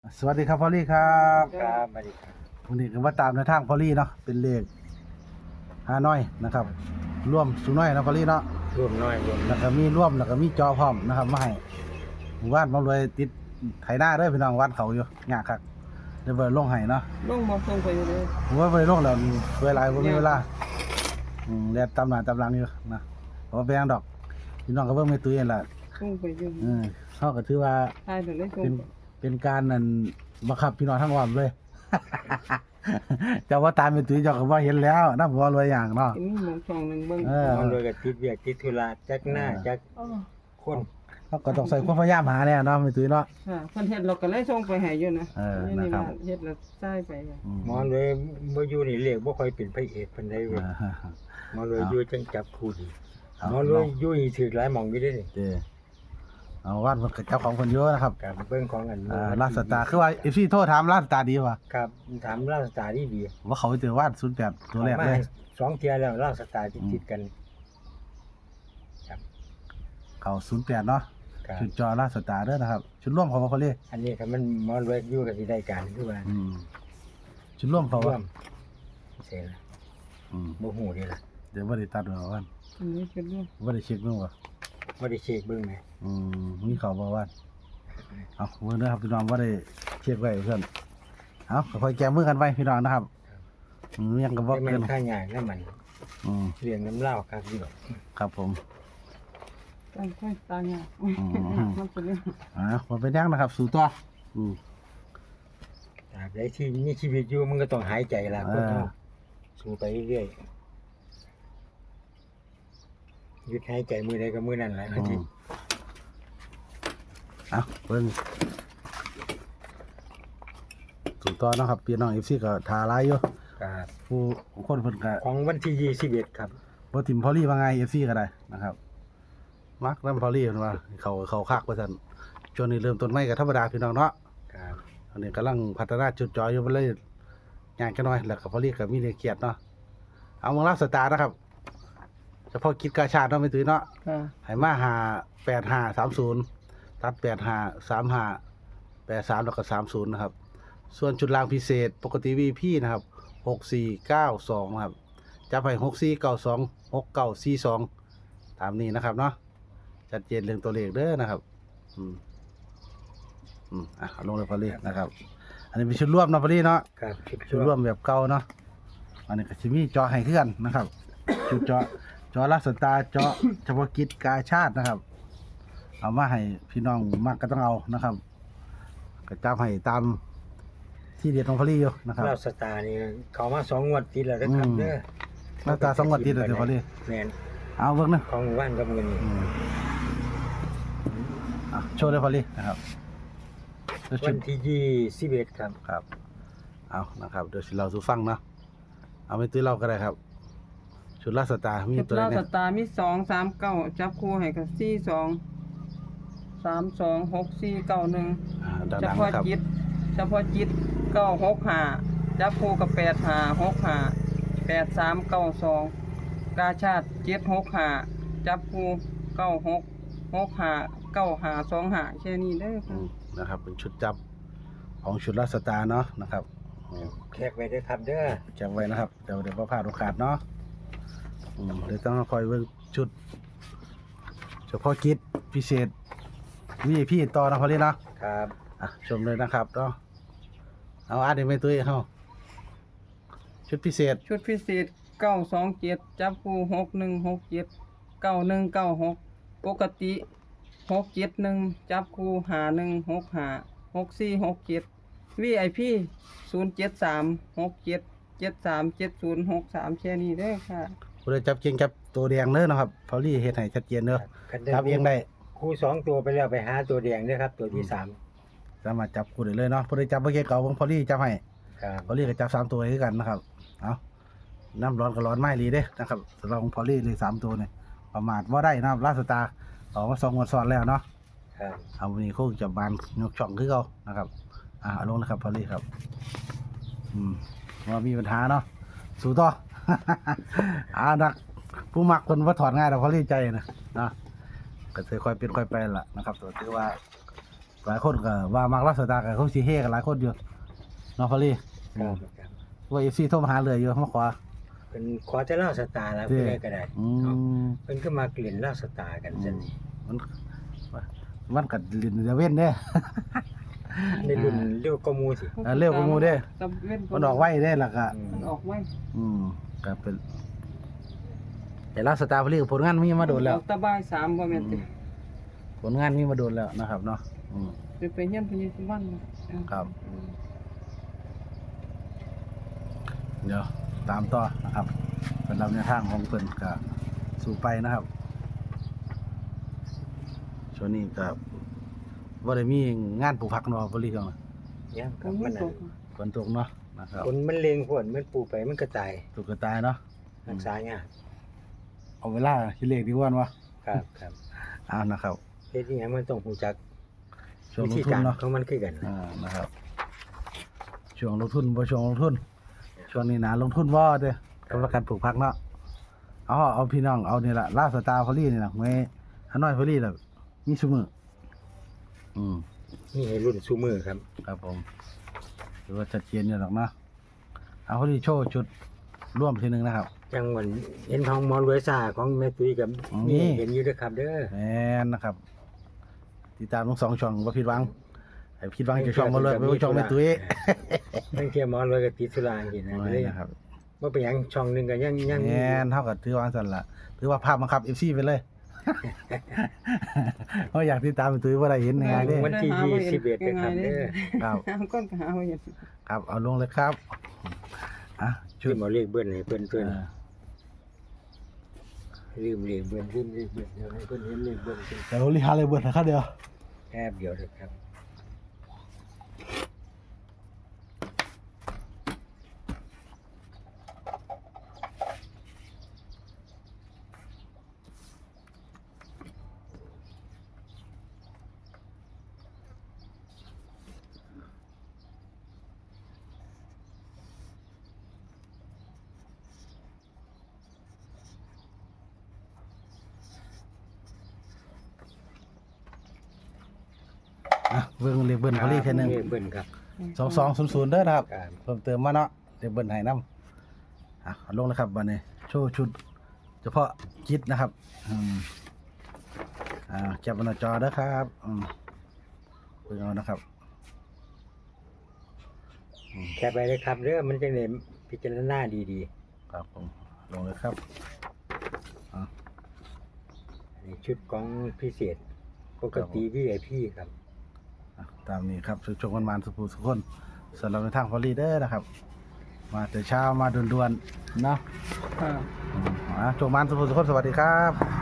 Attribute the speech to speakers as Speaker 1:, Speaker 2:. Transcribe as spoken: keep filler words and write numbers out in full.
Speaker 1: สวัสดีครับพอลลี่ครับ
Speaker 2: ครับสวัสดีครับ
Speaker 1: วันนี้ก็มาตามในทางพอลลี่เนาะเป็นเลขห้าน้อยนะครับร่วมสูน้อยนะพอลลี่เนาะ
Speaker 2: รวมน้อยรวม
Speaker 1: แล้วก็มีร่วมแล้วก็มีจอพร้อมนะครับมาให้หมู่บ้านมารวยติดไถนาเด้อพี่น้องวัดเขาอยู่ยากครับเดี๋ยวไปลงให้เนาะ
Speaker 3: ลงบ่ส่งไปอยู่เลย
Speaker 1: ผมว่าไปลงแล้วเวลาบ่มีเวลาอืมแล่นตามหน้าตามหลังอยู่นะบ่แพงดอกพี่น้องก็เบิ่งแม่ตุ้ยนั่นล่ะ
Speaker 3: ส่งไปอยู่
Speaker 1: เออเฮาก็ถือว่า
Speaker 3: ทายเดี๋ยวเลยส่ง
Speaker 1: เป็น
Speaker 3: ไป
Speaker 1: เป็นการนั่นบังคับพี่น้องทั้งวันเลย เจ้าว่าตามเป็นตุ้ยเจ้าก็ว่าเห็นแล้วน้ำหัวรวยอย่างเนาะ
Speaker 3: มีหมองช่องหนึงเบิ่ง
Speaker 1: เออ
Speaker 2: มันรวยกับติดเวียกติดธุระจักหน้าจัก
Speaker 3: อ๋อ
Speaker 2: คน
Speaker 1: เขาก็ต้องใส่ความพยายามหาแน่เนาะเป็นตุ้ยเนาะ
Speaker 3: ค่ะเพิ่นเฮ็ดเราก็เลยส่งไปให้อยู่นะ
Speaker 1: เออ
Speaker 3: นี่
Speaker 1: นะ
Speaker 3: นี่
Speaker 1: ครับ
Speaker 3: ว่าเฮ็ดแล้วใช้ไปอะ
Speaker 1: อืม
Speaker 2: หมอรวยบ่อยู่นี่เรียกบ่ค่อยเป็นพระเอกปานใดเว้ย
Speaker 1: อ่า
Speaker 2: หมอรวยอยู่จังจับคู่ดี
Speaker 1: เอา
Speaker 2: หมอรวยอยู่นี่ถือหลายหม่องอยู่เด้นี่
Speaker 1: เด้อเอาวัดมันก็เจ้าของคนเยอะนะครับ
Speaker 2: การเบิ่งของอัน
Speaker 1: อ่าลาดสตาร์คือว่า เอฟ ซี โทรถามลาดสตาร์ดีป่ะ
Speaker 2: ครับถามราชสตาร์ดีดี
Speaker 1: ว่าเขาไปเจอวาดศูนย์แปดตัวแรก
Speaker 2: มา
Speaker 1: เลย
Speaker 2: สองเที่ยแล้วราชสตาร์ติดๆกัน
Speaker 1: เขาศูนย์แปดเนาะ
Speaker 2: ครับ
Speaker 1: ชุดจอลาดสตาร์เด้อนะครับชุดร่วมเขาว่าเขาเรียก
Speaker 2: อันนี้ก็มันหมอรวยอยู่กับสิได้การคือว่า
Speaker 1: อืมชุดร่วมเขา
Speaker 2: ร่ว
Speaker 1: ว่าม
Speaker 2: เสียละ
Speaker 1: อืม
Speaker 2: บ่ฮู้เด้ล่ะ
Speaker 1: เดี๋ยวว่าได้ตัดหัววัน
Speaker 3: อันนี้คือเรื่อง
Speaker 1: ว่าได้เช็คเมื่อวะ
Speaker 2: บ่ได้เช็คเบิ่งแหม
Speaker 1: อืมมีเขาบอกว่าเอาเมื่อนะครับพี่น้องว่าได้เช็คไว้เพื่อนเอาค่อยๆแก้มือกันไปพี่น้องนะครับอืมยังกับว่า
Speaker 2: แต่มั
Speaker 1: เกิ
Speaker 2: น
Speaker 1: น
Speaker 2: ค่าใหญ่แล้วมัน
Speaker 1: อืม
Speaker 2: เลี้ยงน้ำเหล้าครับอยู่
Speaker 1: ครับผม
Speaker 3: ตั้งค่อยตายอ่ะ
Speaker 1: อืม
Speaker 3: มันเป็นเรื่อง
Speaker 1: อ่ามันเป็นยังนะครับ สู่ตัวอืม
Speaker 2: ตราบใดที่มีชีวิตอยู่มันก็ต้องหายใจล่ะคน
Speaker 1: อ่า
Speaker 2: เฮาสู้ไปเรื่อยๆหยุดหายใจมือใดก็มือนั้นแหละ
Speaker 1: อื
Speaker 2: อาทิต
Speaker 1: ม
Speaker 2: ย์
Speaker 1: เอาเพิ่นสู่ตัวเนาะครับพี่น้องเอฟซีก็ทาลายอยู่
Speaker 2: ครับ
Speaker 1: ผู้คนเพิ่นก็
Speaker 2: ของวันที่ยี่สิบเอ็ดครับ
Speaker 1: บ่ทิมพอลี่ว่าไงเอฟซีก็ได้นะครับ มักนำพอลี่เพิ่นว่าเขาเขาคักว่าซั่นช่วงนี้เริ่มต้นใหม่ก็ธรรมดาพี่น้องเนาะ
Speaker 2: ครับ
Speaker 1: อันนี้กำลังพัฒนาจุดจอยอยู่มันเลยยากกันหน่อยแล้วก็พอลี่ก็มีเรื่องเครียดเนาะเอาเมืองรับสตาร์นะครับเฉพาะกิจกาชาติเนาะไม่ตื้อเนาะ
Speaker 3: ค่ะ
Speaker 1: ให้มาหาแปดห้าสามศูนย์ตัดแปดห้าสามห้าแปดสามแล้วก็สามศูนย์นะครับส่วนจุดรางพิเศษปกติวีพีนะครับหกสี่เก้าสองนะครับจะไปหกสี่เก้าสองหกเก้าสี่สองตามนี้นะครับเนาะชัดเจนเรื่องตัวเลขเด้อนะครับอืมอืมอ่ะเอาลงเลยพอลี่นะครับ อันนี้เป็นชุดร่วมเนาะพอลี่เนาะ
Speaker 2: ครับชุด
Speaker 1: ชุดร่วมแบบเก่าเนาะอันนี้ก็จะมีจอให้เคลื่อนนะครับชุดจอจอลักษตาจอเฉพาะกิจกาชาตินะครับ เอามาให้พี่น้องมากก็ต้องเอานะครับก็จับให้ตามที่เด็ดของพอลี่อยู่นะครับ
Speaker 2: ราชสตาร์นี่เขามาสองงวดติดแล้วนะครับ
Speaker 1: อืม
Speaker 2: เด้อ
Speaker 1: หน้าตาสองงวดติดเลยเดี๋ยวพอลี่
Speaker 2: แม่น
Speaker 1: เอาเบิ่งนะ
Speaker 2: ของหมู่บ้านกับเงินนี่
Speaker 1: อืมอ่ะโชว์เลยพอลี่นะครับแล้วชุ
Speaker 2: วั
Speaker 1: ด
Speaker 2: นที่ยี่สิบเอ็ดครับ
Speaker 1: ครับ เอานะครับเดี๋ยวสิเราสู่ฟังเนาะเอาไปตื้อเราก็ได้ครับ ชุดลักษตามี
Speaker 3: จุด
Speaker 1: ตัว
Speaker 3: เล่า
Speaker 1: ไหน
Speaker 3: ส
Speaker 1: เนี่ย
Speaker 3: ตาร์มีสองสามเก้าจับคู่ให้กับสี่สองสามสองหกสี่เก้าหนึ่ง
Speaker 1: อ่า
Speaker 3: เฉ
Speaker 1: ดัง
Speaker 3: พาะ
Speaker 1: ๆนะครับ
Speaker 3: จิตเฉพาะจิตเก้าหกห้าจับคู่กับแปดห้าหกห้าแปดสามเก้าสองกาชาติเจ็ดหกห้าจับคู่เก้าหกหกห้าเก้าห้าสองห้าแค่นี้เด้อ
Speaker 1: อื
Speaker 3: ค่ะ
Speaker 1: มนะครับเป็นชุดจับของชุดลักษตาเนาะนะครับอืม
Speaker 2: แขกไว้เด้อครับเด้อ
Speaker 1: จำไว้นะครับเดี๋ยวเดี๋ยวพลาดโอกาสเนาะอืมเดี๋ยวต้องคอยเบิ่งชุด เฉพาะกิจพิเศษวีไอพีต่อนะพอลี่เนาะ
Speaker 2: ครับ
Speaker 1: อ่ะชมเลยนะครับเนาะเอาอาร์ตไม่ตุ้ยเข้าชุดพิเศษ
Speaker 3: ชุดพิเศษเก้าสองเจ็ดจับคู่หกหนึ่งหกเจ็ดเก้าหนึ่งเก้าหกปกติหกเจ็ดหนึ่งจับคู่หาหนึ่งหกหาหกสี่หกเจ็ดวีไอพีศูนย์เจ็ดสามหกเจ็ดเจ็ดสามเจ็ดศูนย์หกสามแค่นี้เด้อค่ะ
Speaker 1: ผู้ใดจับเก่งจับตัวแดงเด้อนะครับพอลี่เฮ็ดให้ชัดเจนเด้อ
Speaker 2: คัน
Speaker 1: จับเองได้
Speaker 2: คู่สองตัวไปแล้วไปหาตัวแดงเด้อครับ ตัวที่สาม
Speaker 1: สามารถจับคู่ได้เลยเนาะผู้ใดจับบ่เก่งก็เอาของพอลี่จับให้
Speaker 2: ครับ
Speaker 1: พอลี่ก็จับสามตัวให้คือกันนะครับเอาน้ำร้อนก็ร้อนไม่รีเด้นะครับสำหรับของพอลี่เลยสามตัวเนี่ยประมาทว่าได้นะครับลาสตาร์ออกมาสองงวดซ้อนแล้วเนาะ
Speaker 2: ครับ
Speaker 1: เอาวันนี้คงจะบานยกช่องคือเขานะครับ อ่าเอาลงนะครับพอลี่ครับ อืมว่ามีปัญหาเนาะ สู้ต่อ อ่านัก ผู้มักคนว่าถอดง่ายแต่พอลี่ใจนะนะก็จะค่อยเป็นค่อยไปล่ะนะครับตัวถือว่าหลายคนก็ว่ามักรักสตาร์ก็เขาสิเฮกันหลายคนอยู่เนาะพอลี่
Speaker 2: ครับครับ
Speaker 1: ว่า เอฟ ซี โทรมาหาเลยอยู่มาขอ
Speaker 2: เป็นขอจะเล่าสตาร์แล้ว
Speaker 1: เด้
Speaker 2: เพื่อก็ได้
Speaker 1: อื
Speaker 2: เนาะ
Speaker 1: ม
Speaker 2: เพิ่นก็มาเกลี่ยนเล่าสตาร์กันซั่นนี่
Speaker 1: มันมันก็ลินจะเว้นเด้
Speaker 2: ในรุ่นเรียกก็มูสิ
Speaker 1: เออเร็วกว่าหมู่เด้
Speaker 3: ตะเว้น
Speaker 1: มันออกไว้ได้ล่ะก็
Speaker 2: อืม
Speaker 3: มันออกไว้
Speaker 1: อืมก็เป็นแต่รักสตาร์พอลี่ผลงานมีมาโดนแล้ว
Speaker 3: ออกตะบ่ายสามบ่แม่นติ
Speaker 1: ผลงานมีมาโดนแล้วนะครับเนาะอืม
Speaker 3: ไปไปเฮียนพญสุวรรณน่ะ
Speaker 1: ครับ เดี๋ยวตามต่อนะครับเป็นลำในวทางของเพิ่นก็สู่ไปนะครับช่วงนี้ก็บ่ได้มีงานปลูกผักเนาะบ่รีจัง
Speaker 2: ยังค
Speaker 3: ก็
Speaker 2: รับ
Speaker 3: มั
Speaker 2: มัน น
Speaker 3: ต
Speaker 2: น่ะ
Speaker 3: ก
Speaker 1: ฝนตกเนาะนะครับ
Speaker 2: คนมันเลงพวดมันปลูกไปมันก็ตาย
Speaker 1: ตกกระตายเนาะ
Speaker 2: รักษายาก
Speaker 1: เอาเวลาคิดเลขดีกว่าวะ
Speaker 2: ครับครับ
Speaker 1: อ้าวนะครับ
Speaker 2: เฮ็ดอีหยังมันต้องรู้จัก
Speaker 1: ช่วง
Speaker 2: วิ
Speaker 1: ลง
Speaker 2: ธี
Speaker 1: ทุน
Speaker 2: การ
Speaker 1: เนาะ
Speaker 2: ของมันคือกัน
Speaker 1: อ่านะครับช่วงลงทุนบ่ช่วงลงทุนช่วงนี้นะลงทุนบ่เด้อกับประกันปลูกผักเนาะเอาเอาพี่น้องเอานี่ล่ะลาสตาร์พอลี่นี่ล่ะไว้ฮานอยพอลี่ล่ะมีซุมื้ออืม
Speaker 2: นี่ให้รุ่นซูมือครับ
Speaker 1: ครับผมหรือว่าชัดเจนอยู่หรอกเนาะเอาพอดีโชว์จุดร่วมทีหนึ่งนะครับ
Speaker 2: จังหวันเห็นทองหมอรวยซ่าของแม่ตุ้ยกับ
Speaker 1: นี่
Speaker 2: นี่เห็นอยู่เด้อครับเด้อ
Speaker 1: แมนนะครับ ติดตามทั้งสองช่องว่าผิดหวังไอ้ผิดหวังจะช่องมาเลยไม่ว่าช่องแม่ตุ้ย
Speaker 2: ตั้งเทียหมอรวยกับติดสุราอย่างนี้นะ
Speaker 1: โอ้
Speaker 2: ก็เลย
Speaker 1: ยนะครับ
Speaker 2: ว่าเป็นหยังช่องหนึงก็ยังยัง
Speaker 1: แมนเท่ากับถือว่าสั่นละถือว่าภาพบังคับเอฟซีไปเลย เพราะอยากติดตามแม่ตุ้ยว่าได้เห็นยังไงเด้
Speaker 2: วันที่ยี่สิบเอ็ดนะครับเด้อ
Speaker 1: ครับ
Speaker 3: หาก้อนก็หาบ่เห็น
Speaker 1: ครับเอาลงเลยครับอ่ะชุ
Speaker 2: ชื่
Speaker 1: ด
Speaker 2: อหมอเรียกเบิ้ลให้เพิ่นเพิ่น
Speaker 1: อ่า
Speaker 2: ลืมเรียกเบิ้ลลืมเรียกเบิ้ลเดี๋ยวให้เพิ่นเห็นเรียกเบิ้ลเพิ่น
Speaker 1: เดี๋ยวรีฮาเลยเบิร์ดนะครับเดียว
Speaker 2: แป๊บเดียวเด้อครับ
Speaker 1: อ่ะเบิ้งเรียกเบิร์ดพอลี่แค่หนึ่ง
Speaker 2: เรียกเบิ้ลครับ
Speaker 1: สองสองศูนย์ศูนย์เด้อนะครับ
Speaker 2: ครับ
Speaker 1: เพิ่มเติมมาเนาะเดี๋ยวเบิ้ลให้น้ำอ่ะเอาลงแล้วครับวันนี้โชว์ชุด เฉพาะจิตนะครับอืมอ่าจับบนหน้าจอเด้อครับอืมเบิ่งเอานะครับ
Speaker 2: แคปไปเลยครับเด้อมันจะได้พิจารณาดี
Speaker 1: ครับผมลงเลยครับอ่ะ
Speaker 2: ๆอันนี้ชุดของพิเศษปกติ วี ไอ พี ครับ
Speaker 1: อ่ะตามนี้ครับสุชงวันมานสุภูสุขคนสำหรับในทางพอลีเดอร์นะครับ มาแต่เช้ามาด่วนๆเนาะ
Speaker 3: ค่ะ
Speaker 1: อืมอ่ะโจงมานสุภูสุขคนสวัสดีครับ